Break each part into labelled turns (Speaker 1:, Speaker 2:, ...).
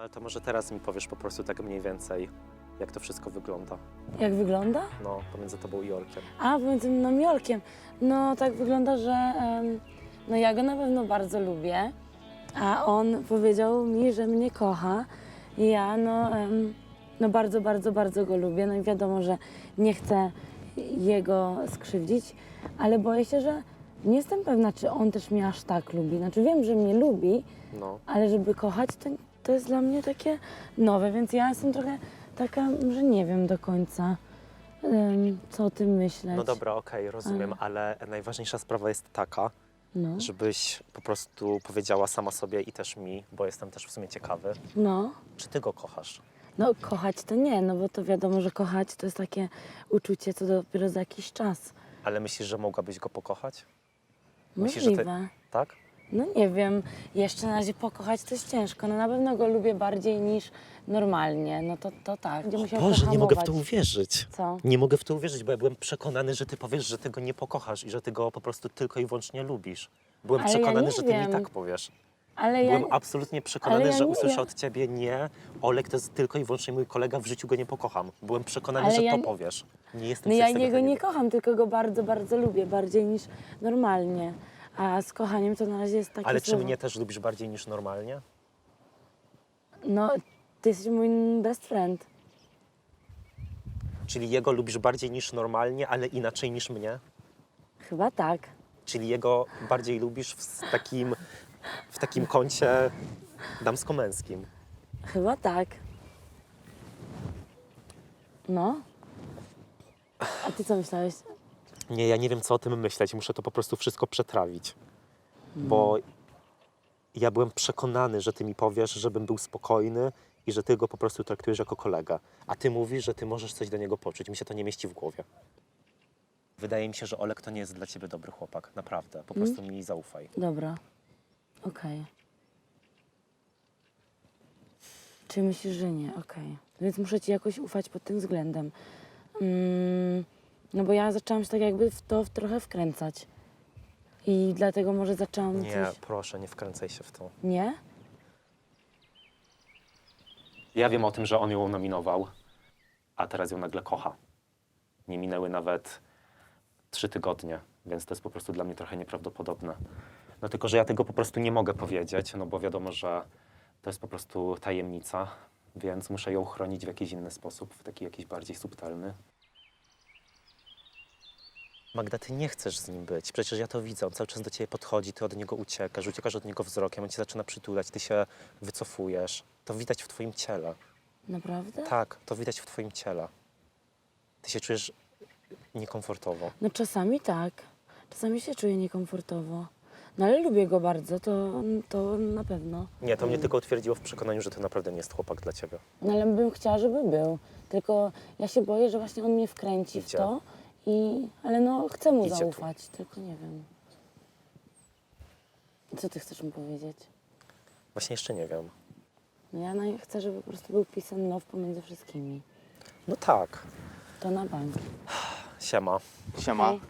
Speaker 1: Ale to może teraz mi powiesz po prostu tak mniej więcej, jak to wszystko wygląda.
Speaker 2: Jak wygląda?
Speaker 1: No, pomiędzy tobą i Olkiem.
Speaker 2: A, pomiędzy mną i Olkiem. No tak wygląda, że no ja go na pewno bardzo lubię, a on powiedział mi, że mnie kocha. I ja no bardzo, bardzo, bardzo go lubię. No i wiadomo, że nie chcę jego skrzywdzić, ale boję się, że nie jestem pewna, czy on też mnie aż tak lubi. Znaczy wiem, że mnie lubi,
Speaker 1: No.
Speaker 2: ale żeby kochać, to jest dla mnie takie nowe, więc ja jestem trochę taka, że nie wiem do końca, co o tym myśleć.
Speaker 1: No dobra, okej, rozumiem, ale najważniejsza sprawa jest taka,
Speaker 2: No,
Speaker 1: żebyś po prostu powiedziała sama sobie i też mi, bo jestem też w sumie ciekawy,
Speaker 2: no,
Speaker 1: czy ty go kochasz?
Speaker 2: no kochać to nie, no bo to wiadomo, że kochać to jest takie uczucie, co dopiero za jakiś czas.
Speaker 1: Ale myślisz, że mogłabyś go pokochać? Myślisz, że
Speaker 2: Możliwe.
Speaker 1: Tak?
Speaker 2: No nie wiem, jeszcze na razie pokochać to jest ciężko. No na pewno go lubię bardziej niż normalnie, no to tak. Będzie musiał
Speaker 1: Boże, nie mogę w to
Speaker 2: pohamować.
Speaker 1: uwierzyć.
Speaker 2: Co?
Speaker 1: Nie mogę w to uwierzyć, bo ja byłem przekonany, że ty powiesz, że ty go nie pokochasz i że ty go po prostu tylko i wyłącznie lubisz. Byłem
Speaker 2: Ale ja
Speaker 1: przekonany,
Speaker 2: nie
Speaker 1: że ty mi
Speaker 2: wiem.
Speaker 1: tak powiesz.
Speaker 2: Ale ja,
Speaker 1: Byłem absolutnie przekonany,
Speaker 2: ale ja
Speaker 1: że
Speaker 2: nie
Speaker 1: usłyszę
Speaker 2: wiem.
Speaker 1: od ciebie nie, Olek to jest tylko i wyłącznie mój kolega, w życiu go nie pokocham. Byłem przekonany,
Speaker 2: Ale
Speaker 1: że
Speaker 2: ja
Speaker 1: to
Speaker 2: nie-
Speaker 1: powiesz. Nie jestem
Speaker 2: no
Speaker 1: w
Speaker 2: ja
Speaker 1: stanie
Speaker 2: niego
Speaker 1: tego
Speaker 2: nie kocham, tylko go bardzo, bardzo lubię, bardziej niż normalnie. A z kochaniem to na razie jest takie
Speaker 1: Ale czy
Speaker 2: słowo.
Speaker 1: mnie też lubisz bardziej niż normalnie?
Speaker 2: No, ty jesteś mój best friend.
Speaker 1: Czyli jego lubisz bardziej niż normalnie, ale inaczej niż mnie?
Speaker 2: Chyba tak.
Speaker 1: Czyli jego bardziej lubisz w takim kącie damsko-męskim?
Speaker 2: Chyba tak. No. A ty co myślałeś?
Speaker 1: Nie, ja nie wiem, co o tym myśleć. Muszę to po prostu wszystko przetrawić. Bo ja byłem przekonany, że ty mi powiesz, żebym był spokojny i że ty go po prostu traktujesz jako kolegę. A ty mówisz, że ty możesz coś do niego poczuć. Mi się to nie mieści w głowie. Wydaje mi się, że Olek to nie jest dla ciebie dobry chłopak. Naprawdę. Po prostu mi zaufaj.
Speaker 2: Dobra. Okej. Czy myślisz, że nie? Okej. Więc muszę ci jakoś ufać pod tym względem. No bo ja zaczęłam się tak jakby w to trochę wkręcać. I dlatego może zaczęłam
Speaker 1: Nie,
Speaker 2: coś...
Speaker 1: proszę, nie wkręcaj się w to.
Speaker 2: Nie?
Speaker 1: Ja wiem o tym, że on ją nominował, a teraz ją nagle kocha. Nie minęły nawet 3 tygodnie, więc to jest po prostu dla mnie trochę nieprawdopodobne. No tylko, że ja tego po prostu nie mogę powiedzieć, no bo wiadomo, że to jest po prostu tajemnica, więc muszę ją chronić w jakiś inny sposób, w taki jakiś bardziej subtelny. Magda, ty nie chcesz z nim być. Przecież ja to widzę. On cały czas do ciebie podchodzi, ty od niego uciekasz od niego wzrokiem, on cię zaczyna przytulać, ty się wycofujesz. To widać w twoim ciele.
Speaker 2: Naprawdę?
Speaker 1: Tak, to widać w twoim ciele. Ty się czujesz niekomfortowo.
Speaker 2: No czasami tak. Czasami się czuję niekomfortowo. No ale lubię go bardzo, to na pewno.
Speaker 1: Nie, to mnie tylko utwierdziło w przekonaniu, że to naprawdę nie jest chłopak dla ciebie.
Speaker 2: No ale bym chciała, żeby był. Tylko ja się boję, że właśnie on mnie wkręci w
Speaker 1: Idzie.
Speaker 2: to. Ale no chcę mu
Speaker 1: Idzie tu.
Speaker 2: zaufać, tylko nie wiem. Co ty chcesz mu powiedzieć?
Speaker 1: Właśnie jeszcze nie wiem.
Speaker 2: No ja chcę, żeby po prostu był peace and love pomiędzy wszystkimi.
Speaker 1: No tak.
Speaker 2: To na bank.
Speaker 1: Siema.
Speaker 3: Siema.
Speaker 2: Hej.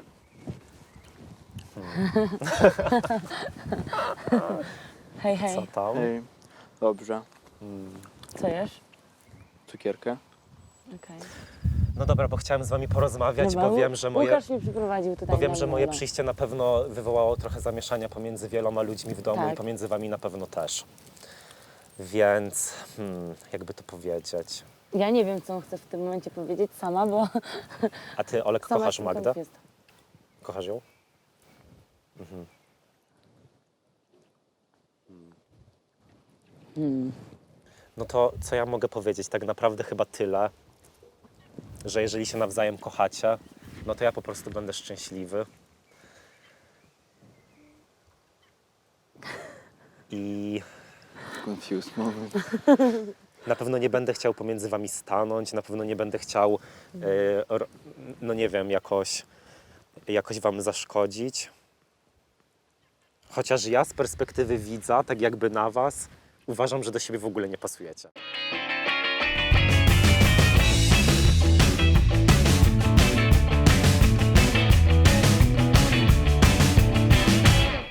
Speaker 2: Hej, hej.
Speaker 1: Co tam?
Speaker 3: Hej. Dobrze.
Speaker 2: Co jesz?
Speaker 3: Cukierkę?
Speaker 2: Okej.
Speaker 1: No dobra, bo chciałem z wami porozmawiać,
Speaker 2: Dobra,
Speaker 1: bo wiem, że moje...
Speaker 2: Łukasz mnie przyprowadził tutaj.
Speaker 1: Bo wiem,
Speaker 2: na
Speaker 1: że moje
Speaker 2: molo.
Speaker 1: przyjście na pewno wywołało trochę zamieszania pomiędzy wieloma ludźmi w domu
Speaker 2: Tak.
Speaker 1: i pomiędzy wami na pewno też. Więc, jakby to powiedzieć.
Speaker 2: Ja nie wiem, co on chce w tym momencie powiedzieć sama, bo
Speaker 1: A ty, Olek,
Speaker 2: sama
Speaker 1: kochasz
Speaker 2: jestem
Speaker 1: Magdę?
Speaker 2: confused.
Speaker 1: Kochasz ją? No to co ja mogę powiedzieć? Tak naprawdę chyba tyle, że jeżeli się nawzajem kochacie, no to ja po prostu będę szczęśliwy. I
Speaker 3: Confused moment.
Speaker 1: na pewno nie będę chciał pomiędzy wami stanąć, na pewno nie będę chciał, no nie wiem, jakoś wam zaszkodzić. Chociaż ja z perspektywy widza, tak jakby na was, uważam, że do siebie w ogóle nie pasujecie.